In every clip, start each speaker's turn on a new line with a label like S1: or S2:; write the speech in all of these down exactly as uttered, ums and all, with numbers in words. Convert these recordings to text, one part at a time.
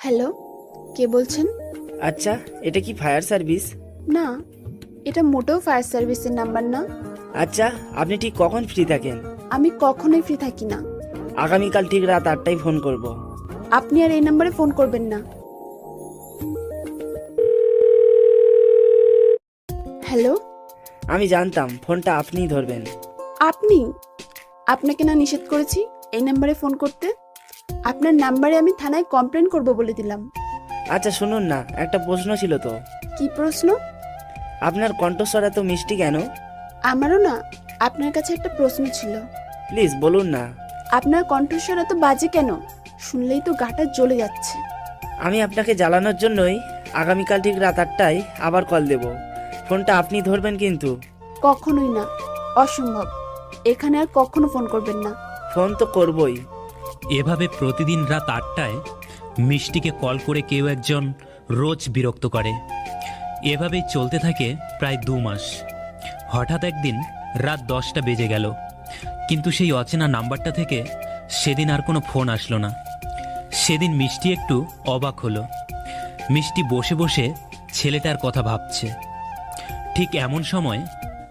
S1: Hello, কে বলছেন?
S2: আচ্ছা, এটা কি ফায়ার সার্ভিস?
S1: না, এটা মোটেও ফায়ার সার্ভিসের নাম্বার না।
S2: আচ্ছা, আপনি ঠিক কখন ফ্রি থাকেন?
S1: আমি কখনোই ফ্রি থাকি না।
S2: আগামীকাল ঠিক রাত আটটায় ফোন করব।
S1: আপনি আর এই নাম্বারে ফোন করবেন না। হ্যালো,
S2: আমি জানতাম ফোনটা আপনিই ধরবেন।
S1: আপনি? আপনাকে না নিষেধ করেছি এই নাম্বারে ফোন করতে? আপনার নাম্বারে আমি থানায় কমপ্লেন করব বলে দিলাম।
S2: আচ্ছা শুনুন না, একটা প্রশ্ন ছিল তো।
S1: কি প্রশ্ন?
S2: আপনার কণ্ঠস্বর এত মিষ্টি কেন?
S1: আমারও না আপনার কাছে একটা প্রশ্ন ছিল।
S2: প্লিজ বলুন না।
S1: আপনার কণ্ঠস্বর এত বাজে কেন? শুনলেই তো গাটা জ্বলে যাচ্ছে।
S2: আমি আপনাকে জ্বালানোর জন্যই আগামীকাল ঠিক রাত আটটায় আবার কল দেব। ফোনটা আপনি ধরবেন কিন্তু।
S1: কখনোই না, অসম্ভব। এখানে আর কখনো ফোন করবেন না।
S2: ফোন তো করবই।
S3: এভাবে প্রতিদিন রাত আটটায় মিষ্টিকে কল করে কেউ একজন রোজ বিরক্ত করে। এভাবেই চলতে থাকে প্রায় দু মাস। হঠাৎ একদিন রাত দশটা বেজে গেল, কিন্তু সেই অচেনা নাম্বারটা থেকে সেদিন আর কোনো ফোন আসলো না। সেদিন মিষ্টি একটু অবাক হলো। মিষ্টি বসে বসে ছেলেটার কথা ভাবছে। ঠিক এমন সময়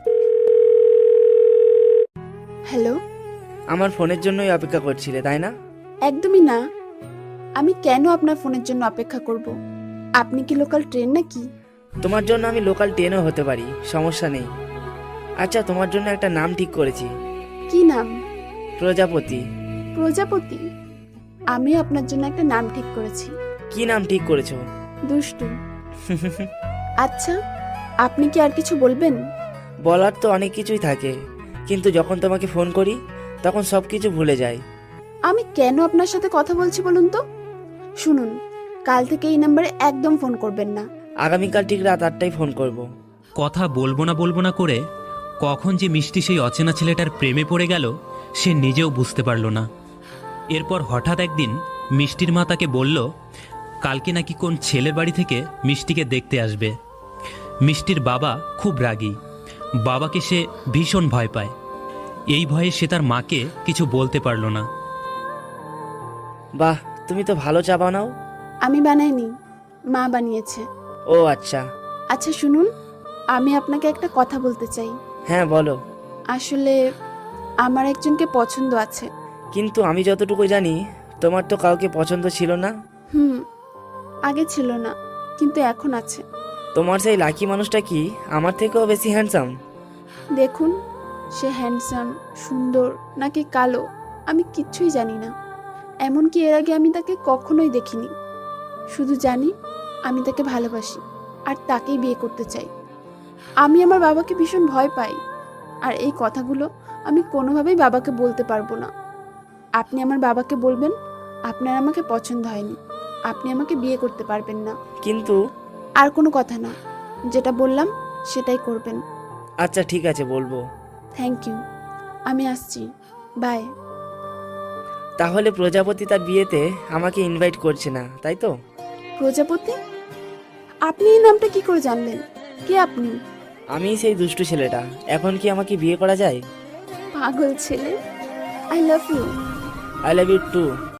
S1: হ্যালো।
S2: আমার ফোনের জন্যই অপেক্ষা করছিলে তাই না?
S1: একদমই না। আমি কেন আপনার ফোনের জন্য অপেক্ষা করব? আপনি কি লোকাল ট্রেন নাকি?
S2: তোমার জন্য আমি লোকাল ট্রেনও হতে পারি, সমস্যা নেই। আচ্ছা, তোমার জন্য একটা নাম ঠিক করেছি।
S1: কি নাম?
S2: প্রজাপতি।
S1: প্রজাপতি? আমিও আপনার জন্য একটা নাম ঠিক করেছি।
S2: কি নাম ঠিক করেছো?
S1: দুষ্টু। আচ্ছা, আপনি কি আর কিছু বলবেন?
S2: বলার তো অনেক কিছুই থাকে, কিন্তু যখন তোমাকে ফোন করি তখন সব কিছু ভুলে যাই।
S1: আমি কেন আপনার সাথে কথা বলছি বলুন তো? শুনুন, কাল থেকে এই নাম্বারে একদম ফোন করবেন না।
S2: আগামীকাল ঠিক রাত আটটায় ফোন করব।
S3: কথা বলবো না বলবো না করে কখন যে মিষ্টি সেই অচেনা ছেলেটার প্রেমে পড়ে গেল সে নিজেও বুঝতে পারল না। এরপর হঠাৎ একদিন মিষ্টির মা তাকে বলল কালকে নাকি কোন ছেলের বাড়ি থেকে মিষ্টিকে দেখতে আসবে। মিষ্টির বাবা খুব রাগী। বাবাকে সে ভীষণ ভয় পায়। এই ভয়ে সে তার মাকে কিছু বলতে পারল না।
S2: বাহ, তুমি তো ভালো চা বানাও।
S1: আমি বানাইনি, মা বানিয়েছে।
S2: ও আচ্ছা।
S1: আচ্ছা শুনুন, আমি আপনাকে একটা কথা বলতে চাই।
S2: হ্যাঁ বলো।
S1: আসলে আমার একজনকে পছন্দ আছে।
S2: কিন্তু আমি যতটুকু জানি তোমার তো কাউকে পছন্দ ছিল না।
S1: হুম, আগে ছিল না, কিন্তু এখন আছে।
S2: তোমার সেই লাকি মানুষটা কি আমার থেকেও বেশি হ্যান্ডসাম?
S1: দেখুন, সে হ্যান্ডসাম, সুন্দর নাকি কালো আমি কিচ্ছুই জানি না। এমনকি এর আগে আমি তাকে কখনোই দেখিনি। শুধু জানি আমি তাকে ভালোবাসি আর তাকেই বিয়ে করতে চাই। আমি আমার বাবাকে ভীষণ ভয় পাই, আর এই কথাগুলো আমি কোনোভাবেই বাবাকে বলতে পারবো না। আপনি আমার বাবাকে বলবেন আপনার আমাকে পছন্দ হয়নি, আপনি আমাকে বিয়ে করতে পারবেন না।
S2: কিন্তু
S1: আর কোনো কথা না, যেটা বললাম সেটাই করবেন।
S2: আচ্ছা ঠিক আছে, বলবো।
S1: থ্যাংক ইউ, আমি আসছি, বাই।
S2: তাহলে প্রজাপতি তার বিয়েতে আমাকে ইনভাইট করছে না, তাই তো?
S1: প্রজাপতি? আপনি এই নামটা কি করে জানলেন? কে আপনি?
S2: আমি সেই দুষ্টু ছেলেটা। এখন কি আমাকে বিয়ে করা যায়?
S1: পাগল ছেলে। I love you.
S2: I love you two.